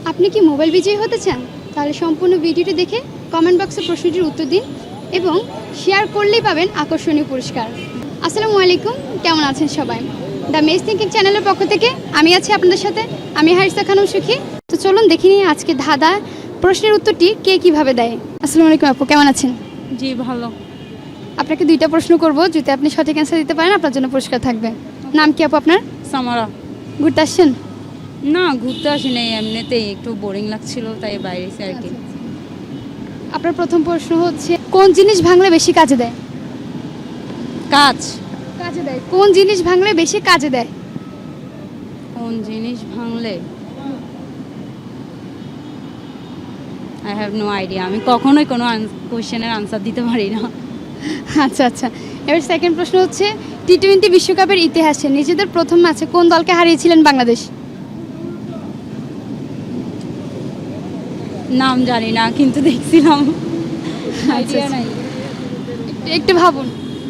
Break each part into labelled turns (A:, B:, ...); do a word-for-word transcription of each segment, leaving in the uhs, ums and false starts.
A: আপনি কি মোবাইল বিজয়ী হতে চান? তাহলে সম্পূর্ণ ভিডিওটি দেখে কমেন্ট বক্সে প্রশ্নটির উত্তর দিন এবং শেয়ার করলেই পাবেন আকর্ষণীয় পুরস্কার। আসসালামু আলাইকুম, কেমন আছেন সবাই? দ্য মেজ থিঙ্কিং চ্যানেলের পক্ষ থেকে আমি আছি আপনাদের সাথে, আমি হারিসা খানম সুখী। তো চলুন দেখে নিই আজকে ধাঁধা প্রশ্নের উত্তরটি কে কিভাবে দেয়। আসসালামু আলাইকুম আপু, কেমন আছেন?
B: জি ভালো।
A: আপনাকে দুইটা প্রশ্ন করব, যদি আপনি সঠিক অ্যান্সার দিতে পারেন আপনার জন্য পুরস্কার থাকবে। নাম কি আপু আপনার?
B: সামারা।
A: ঘুরতে আসছেন?
B: না, ঘুরতে আসি নাই, এমনিতেই একটু বোরিং লাগছিল তাই বাইরে এসে আর কি।
A: আপনার প্রথম প্রশ্ন হচ্ছে, কোন জিনিস ভাঙলে বেশি কাজে দেয়?
B: কাজ।
A: কাজে দেয়। কোন জিনিস ভাঙলে বেশি কাজে দেয়?
B: কোন জিনিস ভাঙলে? I have no idea. আমি কখনোই কোনো কোশ্চেনের আনসার দিতে পারি না।
A: আচ্ছা আচ্ছা, এবার সেকেন্ড প্রশ্ন হচ্ছে, টি টোয়েন্টি বিশ্বকাপের ইতিহাসে নিজেদের প্রথম ম্যাচে কোন দলকে হারিয়েছিলেন বাংলাদেশ?
B: নাম জানি না, কিন্তু দেখছিলাম।
A: আচ্ছা,
B: আইডিয়া
A: আচ্ছা।
B: নাই।
A: একটু- একটু ভাবুন।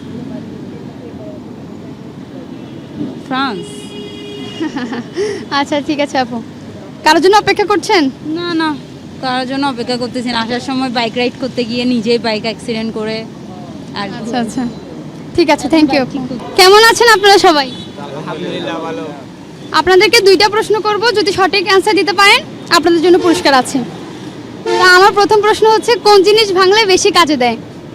B: ফ্রান্স।
A: আচ্ছা ঠিক আছে আপু, কারোর জন্য অপেক্ষা করছেন?
B: না না, কারোর জন্য অপেক্ষা করতেছি না। আসার সময় বাইক রাইড করতে গিয়ে নিজেই বাইক অ্যাক্সিডেন্ট করে আর কি।
A: আচ্ছা আচ্ছা, ঠিক আছে, থ্যাংক ইউ আপু। কেমন আছেন আপনারা সবাই?
C: আলহামদুলিল্লাহ ভালো।
A: আপনাদেরকে দুইটা প্রশ্ন করব, যদি সঠিক অ্যান্সার দিতে পারেন আপনাদের জন্য পুরস্কার আছে। তা আমার প্রথম প্রশ্ন হচ্ছে, কোন জিনিস ভাঙলে বেশি কাজে দেয়?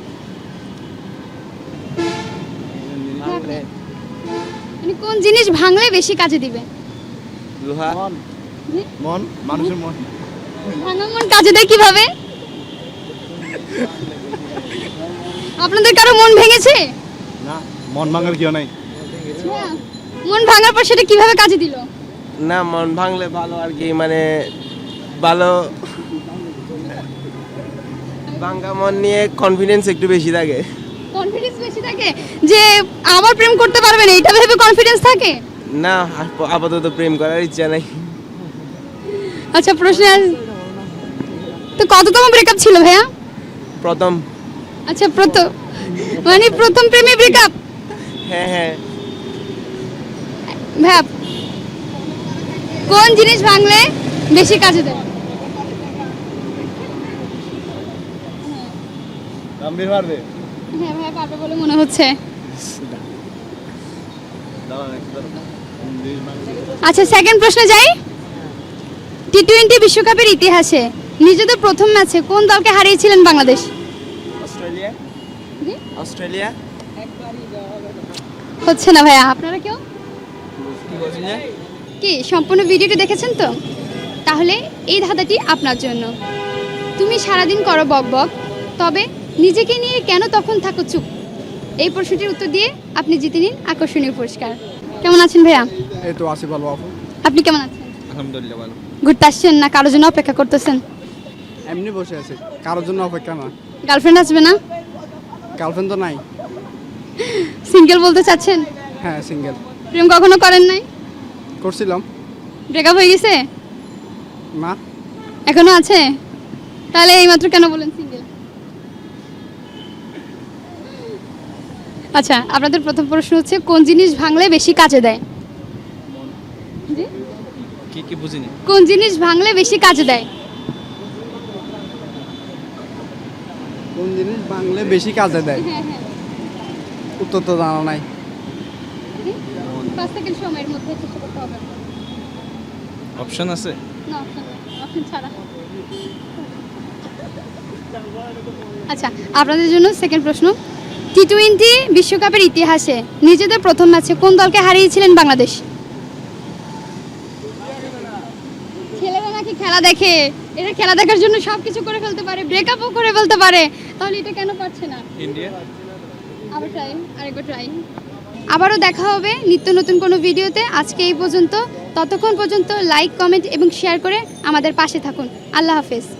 A: মানে কোন জিনিস ভাঙলে বেশি কাজে দিবে?
C: লোহা।
A: জি?
C: মন, মানুষের মন।
A: ভাঙা মন কাজে দেয় কিভাবে? আপনাদের কারো মন ভেঙেছে?
C: না, মন ভাঙার কেউ নাই।
A: হ্যাঁ। মন ভাঙার পর সেটা কিভাবে কাজে দিল?
D: না, মন ভাঙলে ভালো আর কি, মানে ভালো ভাঙ্গা মন নিয়ে কনফিডেন্স একটু বেশি থাকে।
A: কনফিডেন্স বেশি থাকে যে আবার প্রেম করতে পারবেন, এইটা ভেবে কনফিডেন্স থাকে?
D: না, আপ- আপাতত প্রেম করার ইচ্ছা নাই।
A: আচ্ছা প্রশ্ন আস- তো কততম ব্রেকআপ ছিল ভাইয়া?
D: প্রথম।
A: আচ্ছা প্রথম, মানে প্রথম প্রেমে ব্রেকআপ?
D: হ্যাঁ হ্যাঁ।
A: ভাইয়া, কোন জিনিস ভাঙলে বেশি কাজে দেয়?
C: গাম্ভীর পারবে।
A: হ্যাঁ ভাইয়া পারবে বলে মনে হচ্ছে। আচ্ছা সেকেন্ড প্রশ্নে যাই। টি টোয়েন্টি বিশ্বকাপের ইতিহাসে নিজেদের প্রথম ম্যাচে কোন দলকে হারিয়েছিলেন বাংলাদেশ?
D: অস্ট্রেলিয়া।
A: জি?
D: অস্ট্রেলিয়া।
A: হচ্ছে না ভাইয়া, আপনারা কেউ
D: কি বলছেন?
A: কি সম্পূর্ণ ভিডিওটি দেখেছেন তো? তাহলে এই ধাঁধাটি আপনার জন্য। তুমি সারাদিন করো বক বক, তবে নিজেকে নিয়ে কেন তখন থাকো চুপ? এই প্রশ্নটির উত্তর দিয়ে আপনি জিতে নিন আকর্ষণীয় পুরস্কার। কেমন আছেন ভাইয়া?
C: এই তো আসি ভালো আপু।
A: আপনি কেমন আছেন?
C: আলহামদুলিল্লাহ ভালো।
A: ঘুরতে আসছেন না কারোর জন্য অপেক্ষা করতেছেন?
C: এমনি বসে আছি, কারোর জন্য অপেক্ষা না।
A: গার্লফ্রেন্ড আসবে না?
C: গার্লফ্রেন্ড তো নাই।
A: সিঙ্গেল বলতে চাচ্ছেন?
C: হ্যাঁ সিঙ্গেল।
A: প্রেম কখনো করেন নাই?
C: করছিলাম।
A: ব্রেকআপ হয়ে গেছে?
C: না।
A: এখনো আছে? তাহলে এইমাত্র কেন বলেন সিঙ্গেল? আচ্ছা আপনাদের প্রথম প্রশ্ন হচ্ছে, কোন জিনিস ভাঙলে বেশি কাজে দেয়? জি?
C: কি কি বুঝিনি।
A: কোন জিনিস ভাঙলে বেশি কাজে দেয়?
C: কোন জিনিস ভাঙলে বেশি কাজে দেয়?
A: হ্যাঁ হ্যাঁ,
C: উত্তর তো জানা নাই।
A: পাঁচ সেকেন্ড সময়ের মধ্যে চেষ্টা করতে হবে।
C: অপশন আছে?
A: না অপশন নেই, অপশন ছাড়া। আচ্ছা আপনাদের জন্য সেকেন্ড প্রশ্ন, টি টোয়েন্টি বিশ্বকাপের ইতিহাসে নিজেদের প্রথম ম্যাচে কোন দলকে হারিয়েছিলেন বাংলাদেশ? ছেলেরা নাকি খেলা দেখে, এরা খেলা দেখার জন্য সব কিছু করে ফেলতে পারে, ব্রেকআপও করে ফেলতে পারে, তাহলে এটা কেন পারছে না?
C: ইন্ডিয়া।
A: আবার ট্রাই, আরেকবার ট্রাই। আবারও দেখা হবে নিত্য নতুন কোনো ভিডিওতে। আজকে এই পর্যন্ত, ততক্ষণ পর্যন্ত লাইক কমেন্ট এবং শেয়ার করে আমাদের পাশে থাকুন। আল্লাহ হাফেজ।